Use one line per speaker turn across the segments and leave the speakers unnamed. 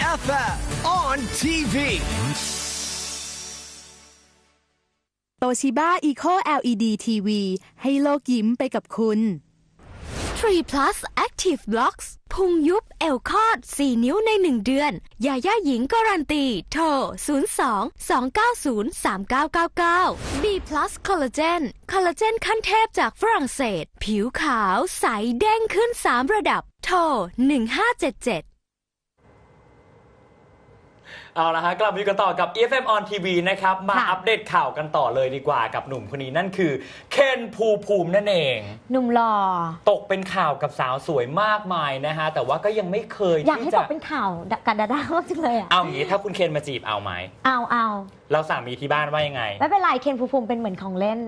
FM on TV
โตชิบ้า Eco LED TV ให้โลกยิ้มไปกับคุณ3 plus Active Blocks พุงยุบเอวคอด4 นิ้วใน1 เดือนยาย่าหญิงการันตีโทร 02-290-3999 B plus Collagen คอลลาเจนขั้นเทพจากฝรั่งเศสผิวขาวใสเด้งขึ้น3 ระดับโทร 1577
เอาละฮะกลับมากันต่อกับ EFM on TV นะครับมาอัปเดตข่าวกันต่อเลยดีกว่ากับหนุ่มคนนี้นั่นคือเคนภูมินั่นเอง
หนุ่มหล่อ
ตกเป็นข่าวกับสาวสวยมากมายนะฮะแต่ว่าก็ยังไม่เคย
อยากให้ตกเป็นข่าวกับดาด้ามากจังเลยอ่ะ
เอางี้ถ้าคุณเคนมาจีบเอาไหม
เอา
เราสามีที่บ้านว่ายังไง
ไม่เป็นไรเคนภูมิเป็นเหมือนของเล่น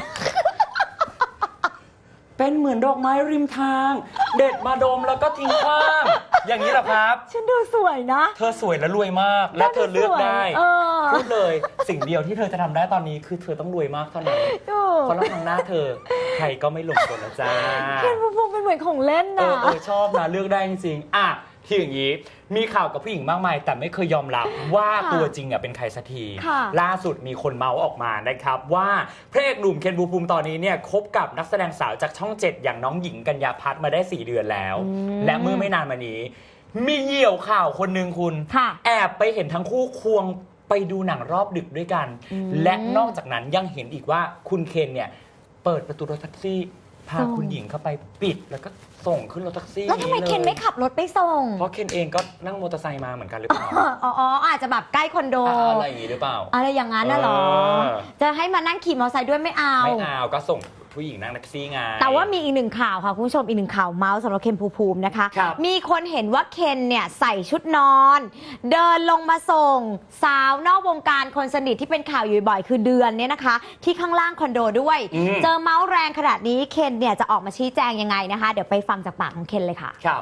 เป็นเหมือนดอกไม้ริมทางเด็ดมาดมแล้วก็ทิ้งขว้างอย่างนี้เหรอครับ
ฉันดูสวยนะ
เธอสวยและรวยมากและเธอเลือกได้พูดเลยสิ่งเดียวที่เธอจะทำได้ตอนนี้คือเธอต้องรวยมากเท่านั้นเพราะแล้วทางหน้าเธอใครก็ไม่หลงกลแล้วจ้า
เคนภูมิเป็นเหมือนของเล่นนะ
ชอบนะเลือกได้จริงๆที่อย่างนี้มีข่าวกับผู้หญิงมากมายแต่ไม่เคยยอมรับว่าตัวจริงเป็นใครสักทีล่าสุดมีคนเมาส์ออกมานะครับว่าพระเอกหนุ่มเคนภูมิตอนนี้เนี่ยคบกับนักแสดงสาวจากช่อง 7อย่างน้องหญิงกัญญาพัฒน์มาได้4 เดือนแล้วและเมื่อไม่นานมานี้มีเหยี่ยวข่าวคนหนึ่งคุณแอบไปเห็นทั้งคู่ควงไปดูหนังรอบดึกด้วยกันและนอกจากนั้นยังเห็นอีกว่าคุณเคนเนี่ยเปิดประตูรถแท็กซี่พาคุณหญิงเข้าไปปิดแล้วก็ส่งขึ้นรถแท็กซี่
แล้วทำไมเคนไม่ขับรถไปส่ง
เพราะเคนเองก็นั่งมอเตอร์ไซค์มาเหมือนกันหรือเปล่า
อาจจะแบบใกล้คอนโด
อะไรอย่างนี้หรือเปล่า
อะไรอย่างนั้นน่ะหรอจะให้มานั่งขี่มอเตอร์ไซค์ด้วยไม่เอา
ก็ส่งผู้หญิงนั่งแท็กซี่ไง
แต่ว่ามีอีกหนึ่งข่าวค่ะคุณผู้ชมอีกหนึ่งข่าวเมาส์สำหรับเคนภูมินะคะมีคนเห็นว่าเคนเนี่ยใส่ชุดนอนเดินลงมาส่งสาวนอกวงการคนสนิทที่เป็นข่าวอยู่บ่อยคือเดือนเนี่ยนะคะที่ข้างล่างคอนโดด้วยเจอเมาส์แรงขนาดนี้เคนเนี่ยจะออกมาชี้แจงยังไงนะคะเดี๋ยวไปฟังจากปากของเคนเลยค่ะ
ครับ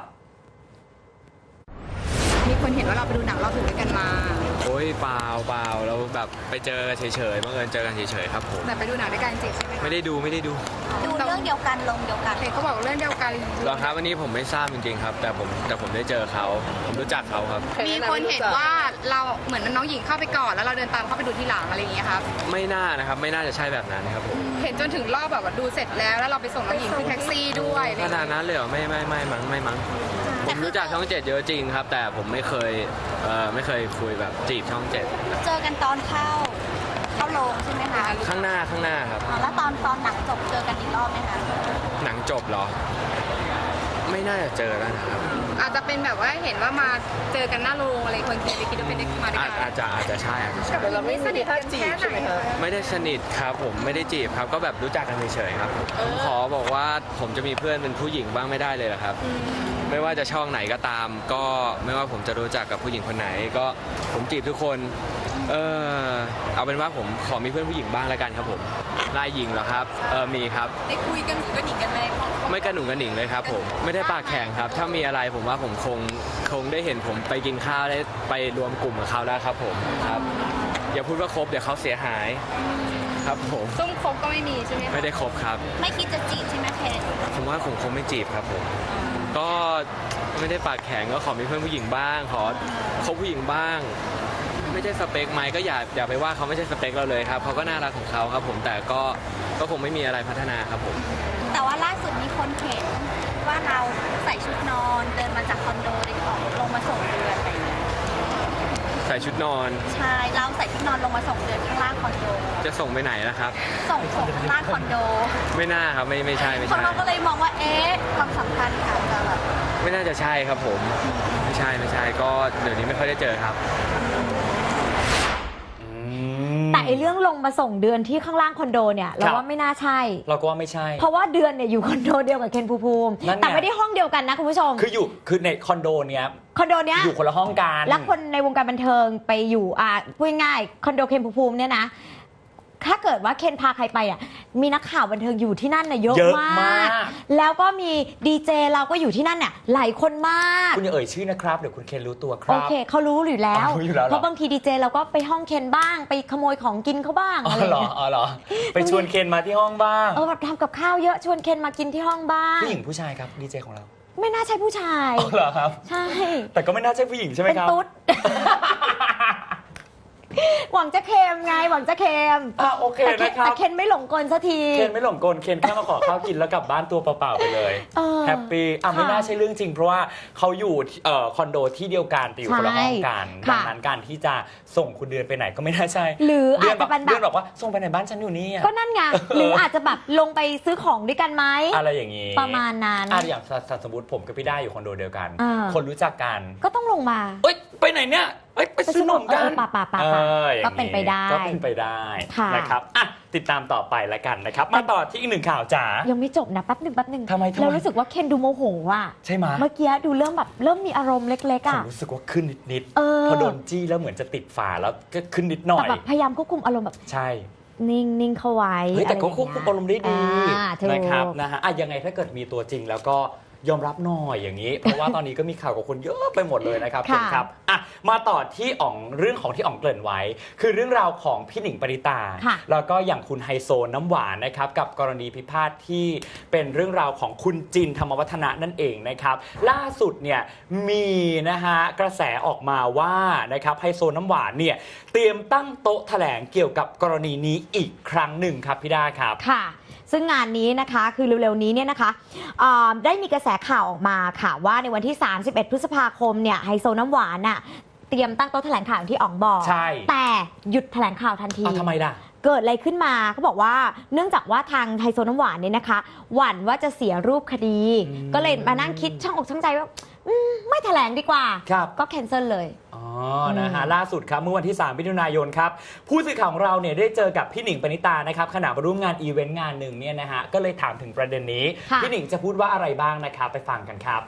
มีคนเห็นว่าเราไปดูหนังเราถึงด้วยกันมา
โอ้ยเปล่าเราแบบไปเจอเฉยๆบังเอิญเจอกันเฉยๆครับผม
แต่ไปดูหนังด้วยกันจริงใช่ไหม
ไม่ได้ดู
เรื่องเดียวกันลงเดียวกันเขาบอกเรื่องเดียวกัน
เหรอครับวันนี้ผมไม่ทราบจริงๆครับแต่ผมได้เจอเขาผมรู้จักเขาครับ
มีคนเห็นว่าเราเหมือนน้องหญิงเข้าไปก่อนแล้วเราเดินตามเข้าไปดูทีหลังอะไรอย่างเงี้ยครับ
ไม่น่านะครับไม่น่าจะใช่แบบนั้นครับผม
เห็นจนถึงรอบแบบว่าดูเสร็จแล้วเราไปส่งน้องหญิงที่แท็กซี่ด้วย
ขนาดนั้นเลยเหรอไม่มั้งผมรู้จักช่อง 7เยอะจริงครับแต่ผมไม่เคยคุยแบบจีบช่อง 7
เจอกันตอนเข้าโรงใช่ไหมคะ
ข้างหน้าครับ
แล้วตอนหนังจบเจอกันอีกรอบไหมคะ
หนังจบเหรอไม่น่าจะเจอแล้วนะครับ
อาจจะเป็นแบบว่าเห็นว่ามาเจอกันหน้าโรงอะไรคนคิดว่าเป็นมาด้วยกัน
อาจจะใช่
แต่เราไม่สนิทกันแค่ไหน
ไม่ได้สนิทครับผมไม่ได้จีบครับก็แบบรู้จักกันเฉยๆครับผมขอบอกว่าผมจะมีเพื่อนเป็นผู้หญิงบ้างไม่ได้เลยเหรอครับไม่ว่าจะช่องไหนก็ตามก็ไม่ว่าผมจะรู้จักกับผู้หญิงคนไหนก็ผมจีบทุกคนเอาเป็นว่าผมขอมีเพื่อนผู้หญิงบ้างแล้วกันครับผมลายหญิงเหรอครับมีครับ
ได้คุยกันหนูกันหนิงกันไหม
ไม่กระหนุงกระหนิงเลยครับผมไม่ได้ปากแข็งครับถ้ามีอะไรผมว่าผมคงได้เห็นผมไปกินข้าวได้ไปรวมกลุ่มกับเขาแล้วครับผมครับอย่าพูดว่าคบเดี๋ยวเขาเสียหายครับผม
ซุ่มคบก็ไม่มีใช่ไหม
ไม่ได้คบครับ
ไม่คิดจะจีบใช่ไหมเคน
ผมว่าผมคงไม่จีบครับผมก็ไม่ได้ปากแข็งก็ขอมีเพื่อนผู้หญิงบ้างขอคบผู้หญิงบ้างไม่ใช่สเปคไหมก็อย่าไปว่าเขาไม่ใช่สเปคเราเลยครับเขาก็น่ารักของเขาครับผมแต่ก็คงไม่มีอะไรพัฒนาครับผม
แต่ว่าล่าสุดมีคนเห็นว่าเราใส่ชุดนอนเดินมาจากคอนโดได้ของลงมาส่งเดือนอะไรอย่างเงี้ย
ใส่ชุดนอน
ใช่เราใส่ชุดนอนลงมาส่งเดือนข้างล่างคอนโด
จะส่งไปไหนล่ะครับ
ส่งข้างล่างคอนโด
ไม่น่าครับไม่ใช่
คนเราก็เลยมองว่าความสัมพันธ์ค่ะจะแบบ
ไม่น่าจะใช่ครับผมไม่ใช่ก็เดี๋ยวนี้ไม่ค่อยได้เจอครับ
แต่ไอเรื่องลงมาส่งเดือนที่ข้างล่างคอนโดเนี่ยเราว่าไม่น่าใช่
เราก็ว่าไม่ใช่
เพราะว่าเดือนเนี่ยอยู่คอนโดเดียวกับเคนภูมิแต่ไม่ได้ห้องเดียวกันนะคุณผู้ชม
คือในคอนโดเนี้ยอยู่คนละห้องกัน
แล้วคนในวงการบันเทิงไปอยู่พูดง่ายคอนโดเคนภูมิเนี่ยนะถ้าเกิดว่าเคนพาใครไปมีนักข่าวบันเทิงอยู่ที่นั่นเยอะมากแล้วก็มีดีเจเราก็อยู่ที่นั่นหลายคนมาก
คุณอย่าเอ่ยชื่อนะครับเดี๋ยวคุณเคนรู้ตัวครับ
โอเคเขารู้อยู่แล้วเพราะบางทีดีเจเราก็ไปห้องเคนบ้างไปขโมยของกินเขาบ้างอะไร
เหรอไปชวนเคนมาที่ห้องบ้าง
แบบทำกับข้าวเยอะชวนเคนมากินที่ห้องบ้าง
ผู้หญิงผู้ชายครับดีเจของเรา
ไม่น่าใช่ผู้ชาย
อ๋อเหรอครับ
ใช่
แต่ก็ไม่น่าใช่ผู้หญิงใช่ไหม
เป็น
ครับ
ตุ๊ด หวังจะเค็มไงหวังจะเค็ม
โอเค
แต่
นะครับ
แต่เคนไม่หลงกลสักที
เคนไม่หลงกลเคนแค่มาขอข้าวกินแล้วกลับบ้านตัวเปล่าๆไปเลย แฮปปี้ไม่
ค่ะ
น่าใช่เรื่องจริง เพราะว่าเขาอยู่คอนโดที่เดียวกันแต่อยู่คนละห้องกัน
ใช่
ดังนั้นการที่จะส่งคุณเดือนไปไหนก็ไม่น่าใช่
หรือ
เดื
อาจจะเป็นแบ
เดือบ นบอกว่าส่งไปไหนบ้านฉันอยู่นี่อะ
ก็นั่นไง หรืออาจจะแบบลงไปซื้อของด้วยกันไหม
อะไรอย่างนี้
ประมาณนั้น
อย่างสมมติผมกับพี่ได้อยู่คอนโดเดียวกัน
อ่า
คนรู้จักกัน
ก็ต้องลงมา
เอ้ยไปไหนเนี่ยเอ้ยไปซื้อนมกัน
ป่า
อย่าง
ก็เป็นไปได้
ก็เป็นไปได้
ค่ะ
นะครับติดตามต่อไปแล้วกันนะครับ มาต่อที่อีกหนึ่งข่าวจ๋า
ยังไม่จบนะแป๊บหนึ่ง
ทำไม
เรารู้สึกว่าเคนดูโมโหอ่ะ
ใช่ไหม
เมื่อกี้ดูเริ่มมีอารมณ์เล็กๆ
ผม
อ่ะ
รู้สึกว่าขึ้นนิด
เออ
พอโดนจี้แล้วเหมือนจะติดฝาแล้วก็ขึ้นนิดหน่อ
แต่
ย
แบบพยายามควบคุมอารมณ์แบบ
ใช่
นิ่งเข้าไว้
เฮ้ยแต่ก็
ะ
ควบคุมอารมณ์ได้ดี
ถูก
นะครับยังไงถ้าเกิดมีตัวจริงแล้วก็ยอมรับหน่อยอย่างนี้ เพราะว่าตอนนี้ก็มีข่าวกับคนเยอะไปหมดเลยนะครับ
ค่ะ
ครับมาต่อที่เรื่องของที่อ๋องเกริ่นไว้ คือเรื่องราวของพี่หนิงปณิตา
ค่ะ
แล้วก็อย่างคุณไฮโซน้ำหวานนะครับกับกรณีพิพาทที่เป็นเรื่องราวของคุณจินธรรมวัฒนะนั่นเองนะครับล่าสุดเนี่ยมีกระแสออกมาว่านะครับไฮโซน้ำหวานเนี่ยเตรียมตั้งโต๊ะแถลงเกี่ยวกับกรณีนี้อีกครั้งหนึ่งครับพี่ดาครับ
ค่ะ ซึ่งงานนี้นะคะคือเร็วๆนี้เนี่ยนะคะได้มีกระแสข่าวออกมาค่ะว่าในวันที่ 31 พฤษภาคมเนี่ยไฮโซน้ำหวานน่ะเตรียมตั้งโต๊ะแถลงข่าวอย่างที่อ๋องบอก
ใช่
แต่หยุดแถลงข่าวทันที
ทำไมล่ะ
เกิดอะไรขึ้นมาเขาบอกว่าเนื่องจากว่าทางไฮโซน้ำหวานเนี่ยนะคะ หวั่นว่าจะเสียรูปคดี ก็เลยมานั่งคิดช่างอกช่างใจว่าไม่แถลงดีกว่า
ครับ
ก็แคนเซิลเลย
ล่าสุดครับเมื่อวันที่ 3 มิถุนายนครับผู้สื่อข่าวของเราเนี่ยได้เจอกับพี่หนิงปณิตานะครับขณะมาร่วมงานอีเวนต์งานหนึ่งเนี่ยก็เลยถามถึงประเด็นนี้
ค่ะ
พี่หนิงจะพูดว่าอะไรบ้างนะครับไปฟังกันครับ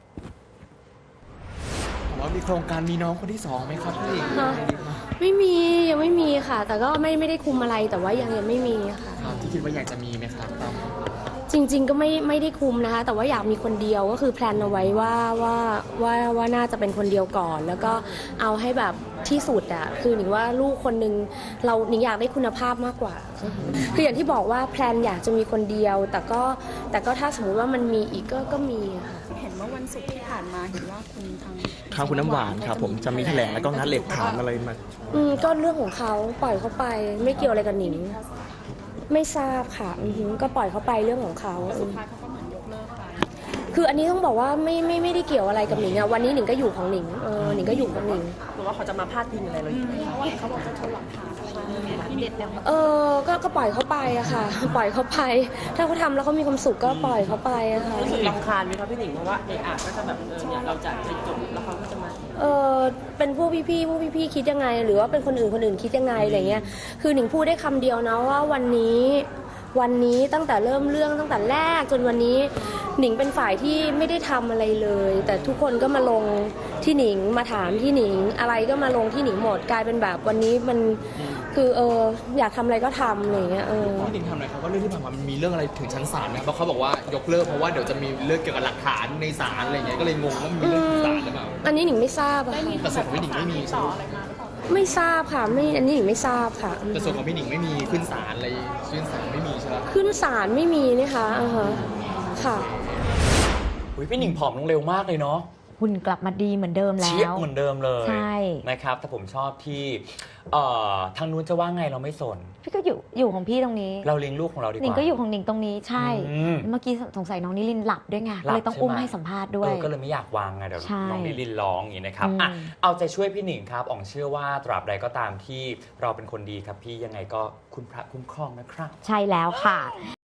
ว่ามีโครงการมีน้องคนที่สองไหมครับพี่หนิง
ฮะ ไม่มียังไม่มีค่ะ แต่ก็ไม่ได้คุมอะไรแต่ว่ายังไม่มีค่ะ
ที่คิดว่าอยากจะมีไหมครับ
จริง ๆ ก็ไม่ได้คุมนะคะ แต่ว่าอยากมีคนเดียวก็คือแพลนเอาไว้ว่าน่าจะเป็นคนเดียวก่อน แล้วก็เอาให้แบบที่สุดอ่ะคือหนิงว่าลูกคนนึงหนิงอยากได้คุณภาพมากกว่าคืออย่างที่บอกว่าแพลนอยากจะมีคนเดียว แต่ก็ถ้าสมมุติว่ามันมีอีกก็มีค่ะ
เห็นเมื่อวันศุกร์ที่ผ่านมาเห็นว่าคุณทาง
คุณน้ำหวานครับผมจะมีแถลงแล้วก็งัดเหล็กถามอะไรมา
ก็เรื่องของเขาปล่อยเขาไป ไม่เกี่ยวอะไรกับหนิง ไม่ทราบค่ะก็ปล่อยเขาไปเรื่องของเขา
สุดท้ายเขาก็เหมือนยกเลิกไป
คืออันนี้ต้องบอกว่าไม่ได้เกี่ยวอะไรกับหนิงอะวันนี้หนิงก็อยู่ของหนิงหนิงก็อยู่กับหนิง
หรือว่าเขาจะมาพาดพิงอะไรเราอยู่เพราะว่าเขาบอกจะชนหลักฐานที่เด็ดแล้ว
ก็ปล่อยเขาไปอะค่ะ ปล่อยเขาไป ถ้าเขาทำแล้วเขามีความสุขก็ปล่อยเขาไปอะค่ะ
รู้สึกรำคาญไหมครับพี่หนิงเพราะว่าก็จะแบบเนี่ยเราจะไปจบแล้วเขาก็จะมา
เป็นพวกพี่คิดยังไง หรือว่าเป็นคนอื่นคิดยังไงอะไรเงี้ย คือหนิงพูดได้คำเดียวนะว่าวันนี้ตั้งแต่เริ่มเรื่องตั้งแต่แรกจนวันนี้หนิงเป็นฝ่ายที่ไม่ได้ทำอะไรเลย แต่ทุกคนก็มาลงที่หนิงมาถามที่หนิงอะไรก็มาลงที่หนิงหมดกลายเป็นแบบวันนี้มันคืออยากทำอะไรก็ทำอะไรเงี้ย
พี่หนิงทำอะไรเขาก็เรื่องที่ผ่านมามันมีเรื่องอะไรถึงชั้นศาลไหมเพราะเขาบอกว่ายกเลิกเพราะว่าเดี๋ยวจะมีเรื่องเกี่ยวกับหลักฐานในศาลอะไรเงี้ยก็เลยงงว่ามีเรื่องถึงศาลหรือเปล่า
อันนี้หนิงไม่ทราบอะค่ะ
แต่ส่วนของพี่หนิงไม่มีใช่ไหม
ไม่ทราบค่ะอันนี้หนิงไม่ทราบค่ะ
แต่ส่วนของพี่หนิงไม่มีขึ้นศาลอะไรขึ้นศาลไม่มีใช่ไหม
ขึ้นศาลไม่มีนะคะค่ะ
พี่หนิงผอมลงเร็วมากเลยเนาะ
หุ่นกลับมาดีเหมือนเดิมแล้
เชียบ
ว
เหมือนเดิมเลย
ใช่
นะครับแต่ผมชอบที่ทางนู้นจะว่าไงเราไม่สน
พี่ก็อยู่ของพี่ตรงนี้
เราเลี้ยงลูกของเราดีก
หนิง
ว่า
ก็อยู่ของหนิงตรงนี้ใช่ เมื่อกี้สงสัยน้องนิลินหลับด้วยไง
หลับ
เลยต้อง
ใช่ไหม
อุ้มให้สัมภาษณ์ด้วย
ก็เลยไม่อยากวางไงเดี๋ยว
ใช่
น้องลิลลินร้องอย่างนี้นะครับ
อืม
เอาใจช่วยพี่หนิงครับอ๋องเชื่อว่าตราบใดก็ตามที่เราเป็นคนดีครับพี่ยังไงก็คุณพระคุ้มครองนะครับ
ใช่แล้วค่ะ